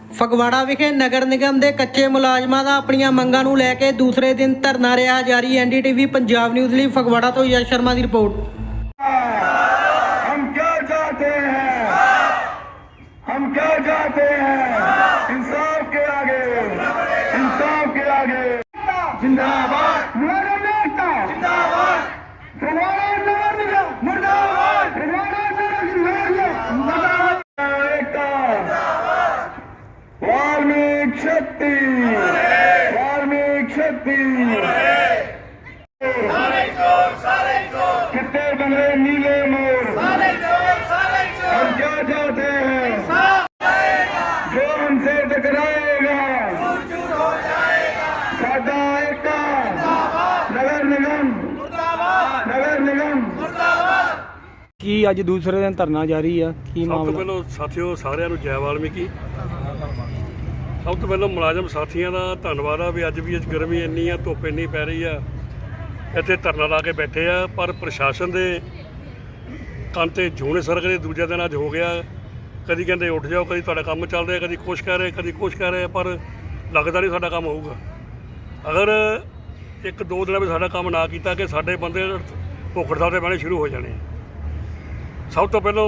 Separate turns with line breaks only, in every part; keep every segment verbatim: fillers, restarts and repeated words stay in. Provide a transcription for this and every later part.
ਫਗਵਾੜਾ ਵਿਖੇ ਨਗਰ ਨਿਗਮ ਦੇ ਕੱਚੇ ਮੁਲਾਜ਼ਮਾਂ ਦਾ ਆਪਣੀਆਂ ਮੰਗਾਂ ਨੂੰ ਲੈ ਕੇ ਦੂਸਰੇ ਦਿਨ ਧਰਨਾ ਰਿਹਾ ਜਾਰੀ। ਐਨਡੀਟੀਵੀ ਪੰਜਾਬ ਨਿਊਜ਼ ਲਈ ਫਗਵਾੜਾ ਤੋਂ ਯਸ਼ ਸ਼ਰਮਾ ਦੀ ਰਿਪੋर्ट।
हम क्या चाहते हैं, हम क्या चाहते हैं, इंसाफ के आगे, इंसाफ के आगे जिंदाबाद, मेरा नेता जिंदाबाद, फगवाड़ा नगर निगम मुर्दाबाद, फगवाड़ा नगर निगम मुर्दाबाद, एकता वाल्मीकि शक्ति, वाल्मीकि शक्ति, कितने बंगले नीले मोर, हम क्या चाहते हैं, जो हमसे टकराएगा साडा एकता, नगर निगम नगर निगम।
ਕੀ ਅੱਜ ਦੂਸਰੇ ਦਿਨ ਧਰਨਾ ਜਾਰੀ ਆ, ਕੀ
ਸਭ ਤੋਂ
ਮਾਮਲਾ?
ਪਹਿਲਾਂ ਸਾਥੀਓ ਸਾਰਿਆਂ ਨੂੰ ਜੈ ਵਾਲਮੀਕੀ। ਸਭ ਤੋਂ ਪਹਿਲਾਂ ਮੁਲਾਜ਼ਮ ਸਾਥੀਆਂ ਦਾ ਧੰਨਵਾਦ ਆ ਵੀ ਅੱਜ ਵੀ ਅੱਜ ਗਰਮੀ ਇੰਨੀ ਆ, ਧੁੱਪ ਇੰਨੀ ਪੈ ਰਹੀ ਆ, ਇੱਥੇ ਧਰਨਾ ਲਾ ਕੇ ਬੈਠੇ ਆ। ਪਰ ਪ੍ਰਸ਼ਾਸਨ ਦੇ ਕੰਨ 'ਤੇ ਜੂਨੇ ਸਰਕ ਦੇ ਦੂਜੇ ਦਿਨ ਅੱਜ ਹੋ ਗਿਆ। ਕਦੀ ਕਹਿੰਦੇ ਉੱਠ ਜਾਓ, ਕਦੀ ਤੁਹਾਡਾ ਕੰਮ ਚੱਲ ਰਿਹਾ, ਕਦੀ ਕੁਛ ਕਹਿ ਰਹੇ, ਕਦੀ ਕੁਛ ਕਹਿ ਰਹੇ, ਪਰ ਲੱਗਦਾ ਨਹੀਂ ਸਾਡਾ ਕੰਮ ਹੋਊਗਾ। ਅਗਰ ਇੱਕ ਦੋ ਦਿਨਾਂ ਵਿੱਚ ਸਾਡਾ ਕੰਮ ਨਾ ਕੀਤਾ ਕਿ ਸਾਡੇ ਬੰਦੇ ਭੁੱਖ ਹੜਤਾਲ 'ਤੇ ਬਹਿਣੇ ਸ਼ੁਰੂ ਹੋ ਜਾਣੇ। ਸਭ ਤੋਂ ਪਹਿਲਾਂ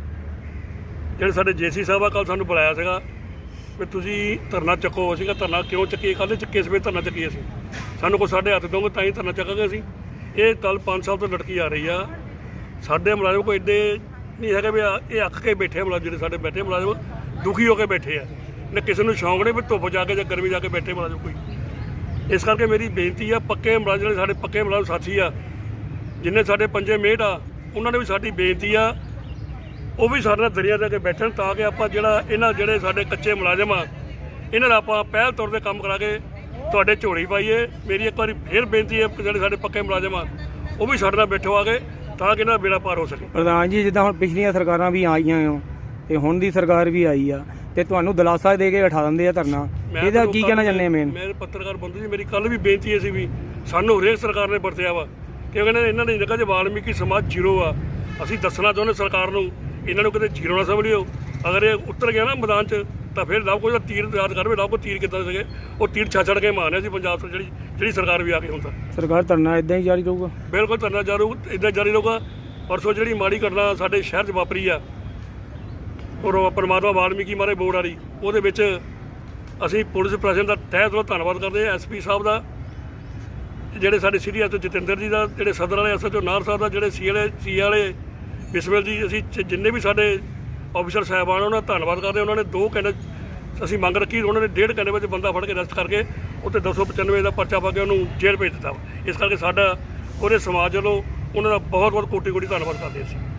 ਜਿਹੜੇ ਸਾਡੇ ਜੇਸੀ ਸਾਹਿਬ ਆ, ਕੱਲ੍ਹ ਸਾਨੂੰ ਬੁਲਾਇਆ ਸੀਗਾ ਵੀ ਤੁਸੀਂ ਧਰਨਾ ਚੱਕੋ। ਅਸੀਂ ਕਿਹਾ ਧਰਨਾ ਕਿਉਂ ਚੱਕੀਏ, ਕੱਲ੍ਹ ਚੱਕੇ ਸਵੇਰ ਧਰਨਾ ਚੱਕੀਏ ਅਸੀਂ, ਸਾਨੂੰ ਕੋਈ ਸਾਡੇ ਹੱਥ ਦੋਗੇ ਤਾਂ ਹੀ ਧਰਨਾ ਚੱਕਾਂਗੇ ਅਸੀਂ। ਇਹ ਗੱਲ ਪੰਜ ਸਾਲ ਤੋਂ ਲਟਕੀ ਆ ਰਹੀ ਆ। ਸਾਡੇ ਮੁਲਾਜ਼ਮ ਕੋਈ ਐਡੇ ਨਹੀਂ ਹੈਗੇ ਵੀ ਇਹ ਅੱਕ ਕੇ ਬੈਠੇ ਮੁਲਾਜ਼ਮ, ਜਿਹੜੇ ਸਾਡੇ ਬੈਠੇ ਮੁਲਾਜ਼ਮ ਦੁਖੀ ਹੋ ਕੇ ਬੈਠੇ ਆ ਨਾ, ਕਿਸੇ ਨੂੰ ਸ਼ੌਂਕ ਨਹੀਂ ਵੀ ਧੁੱਪ ਜਾ ਕੇ ਜਾਂ ਗਰਮੀ ਜਾ ਕੇ ਬੈਠੇ ਮੁਲਾਜ਼ਮ ਕੋਈ। ਇਸ ਕਰਕੇ ਮੇਰੀ ਬੇਨਤੀ ਆ, ਪੱਕੇ ਮੁਲਾਜ਼ਮ ਜਿਹੜੇ ਸਾਡੇ ਪੱਕੇ ਮੁਲਾਜ਼ਮ ਸਾਥੀ ਆ, ਜਿੰਨੇ ਸਾਡੇ ਪੰਜੇ ਮੇਟ ਆ, ਉਹਨਾਂ ਨੇ ਵੀ ਸਾਡੀ ਬੇਨਤੀ ਆ ਉਹ ਵੀ ਸਾਡੇ ਨਾਲ ਦਰਿਆ ਦੇ ਕੇ ਬੈਠਣ, ਤਾਂ ਕਿ ਆਪਾਂ ਜਿਹੜਾ ਇਹਨਾਂ ਜਿਹੜੇ ਸਾਡੇ ਕੱਚੇ ਮੁਲਾਜ਼ਮ ਆ ਇਹਨਾਂ ਦਾ ਆਪਾਂ ਪਹਿਲ ਤੌਰ 'ਤੇ ਕੰਮ ਕਰਾ ਕੇ ਤੁਹਾਡੇ ਝੋਲੀ ਪਾਈਏ। ਮੇਰੀ ਇੱਕ ਵਾਰੀ ਫੇਰ ਬੇਨਤੀ ਹੈ ਕਿ ਜਿਹੜੇ ਸਾਡੇ ਪੱਕੇ ਮੁਲਾਜ਼ਮ ਆ ਉਹ ਵੀ ਸਾਡੇ ਨਾਲ ਬੈਠੋ ਆ ਕੇ, ਤਾਂ ਕਿ ਇਹਨਾਂ ਦਾ ਬੇੜਾ ਪਾਰ ਹੋ ਸਕੇ।
ਪ੍ਰਧਾਨ ਜੀ, ਜਿੱਦਾਂ ਹੁਣ ਪਿਛਲੀਆਂ ਸਰਕਾਰਾਂ ਵੀ ਆਈਆਂ ਹੋ ਤੇ ਹੁਣ ਦੀ ਸਰਕਾਰ ਵੀ ਆਈ ਆ ਤੇ ਤੁਹਾਨੂੰ ਦਿਲਾਸਾ ਦੇ ਕੇ ਉਠਾ ਦਿੰਦੇ ਆ ਧਰਨਾ, ਇਹਦਾ ਕੀ ਕਹਿਣਾ ਚਾਹੁੰਦੇ ਆ? ਮੇਨ
ਮੇਰੇ ਪੱਤਰਕਾਰ ਬੰਧੂ ਜੀ, ਮੇਰੀ ਕੱਲ੍ਹ ਵੀ ਬੇਨਤੀ ਇਹ ਸੀ ਵੀ ਸਾਨੂੰ ਹਰੇਕ ਸਰਕਾਰ ਨੇ ਵਰਤਿਆ ਵਾ ਕਿ ਕਹਿੰਦੇ ਇਹਨਾਂ ਨੇ ਲੱਗਾ ਜੇ ਵਾਲਮੀਕੀ ਸਮਾਜ ਜ਼ੀਰੋ ਆ। ਅਸੀਂ ਦੱਸਣਾ ਚਾਹੁੰਦੇ ਸਰਕਾਰ ਨੂੰ, ਇਹਨਾਂ ਨੂੰ ਕਿਤੇ ਜ਼ੀਰੋ ਨਾ ਸਮਝਿਓ। ਅਗਰ ਇਹ ਉੱਤਰ ਗਿਆ ਨਾ ਮੈਦਾਨ 'ਚ ਤਾਂ ਫਿਰ ਲਵ ਕੋਈ ਦਾ ਤੀਰ ਯਾਦ ਕਰਵੇ, ਲਵ ਕੋ ਤੀਰ ਕਿੱਦਾਂ ਸੀਗੇ, ਉਹ ਤੀਰ ਛਾਛੜ ਕੇ ਮਾਰਨੇ ਸੀ ਪੰਜਾਬ ਤੋਂ ਜਿਹੜੀ ਜਿਹੜੀ ਸਰਕਾਰ ਵੀ ਆ ਕੇ ਹੁਣ ਤਾਂ।
ਸਰਕਾਰ ਧਰਨਾ ਇਦਾਂ ਹੀ ਜਾਰੀ ਰਹੂਗਾ?
ਬਿਲਕੁਲ ਧਰਨਾ ਜਾਰੂ ਇੱਦਾਂ ਜਾਰੀ ਰਹੂਗਾ। ਪਰਸੋਂ ਜਿਹੜੀ ਮਾੜੀ ਘਟਨਾ ਸਾਡੇ ਸ਼ਹਿਰ 'ਚ ਵਾਪਰੀ ਆ, ਔਰ ਪਰਮਾਤਮਾ ਵਾਲਮੀਕੀ ਮਾਰੇ ਬੋਰਡ ਵਾਲੀ, ਉਹਦੇ ਵਿੱਚ ਅਸੀਂ ਪੁਲਿਸ ਪ੍ਰਸ਼ਾਸਨ ਦਾ ਤਹਿ ਦਿਲੋਂ ਧੰਨਵਾਦ ਕਰਦੇ ਹਾਂ। ਐਸ ਪੀ ਸਾਹਿਬ ਦਾ, ਜਿਹੜੇ ਸਾਡੇ ਸਿਟੀ ਐਸ ਓ ਜਤਿੰਦਰ ਜੀ ਦਾ, ਜਿਹੜੇ ਸਦਰ ਵਾਲੇ ਐਸ ਐਚ ਓ ਨਾਰ ਸਾਹਿਬ ਦਾ, ਜਿਹੜੇ ਸੀ ਵਾਲੇ ਸੀ ਵਾਲੇ ਬਿਸਮਿਲ ਜੀ, ਅਸੀਂ ਜਿੰਨੇ ਵੀ ਸਾਡੇ ਆਫੀਸਰ ਸਾਹਿਬਾਨ ਉਹਨਾਂ ਦਾ ਧੰਨਵਾਦ ਕਰਦੇ। ਉਹਨਾਂ ਨੇ ਦੋ ਘੰਟੇ ਅਸੀਂ ਮੰਗ ਰੱਖੀ, ਉਹਨਾਂ ਨੇ ਡੇਢ ਘੰਟੇ ਵਿੱਚ ਬੰਦਾ ਫੜ ਕੇ ਅਰੈਸਟ ਕਰਕੇ ਉੱਤੇ ਦੋ ਸੌ ਪਚਾਨਵੇਂ ਦਾ ਪਰਚਾ ਪਾ ਕੇ ਉਹਨੂੰ ਜੇਲ੍ਹ ਭੇਜ ਦਿੱਤਾ। ਇਸ ਕਰਕੇ ਸਾਡਾ ਪੂਰੇ ਸਮਾਜ ਵੱਲੋਂ ਉਹਨਾਂ ਦਾ ਬਹੁਤ ਬਹੁਤ ਕੋਟੀ ਕੋਟੀ ਧੰਨਵਾਦ ਕਰਦੇ ਅਸੀਂ।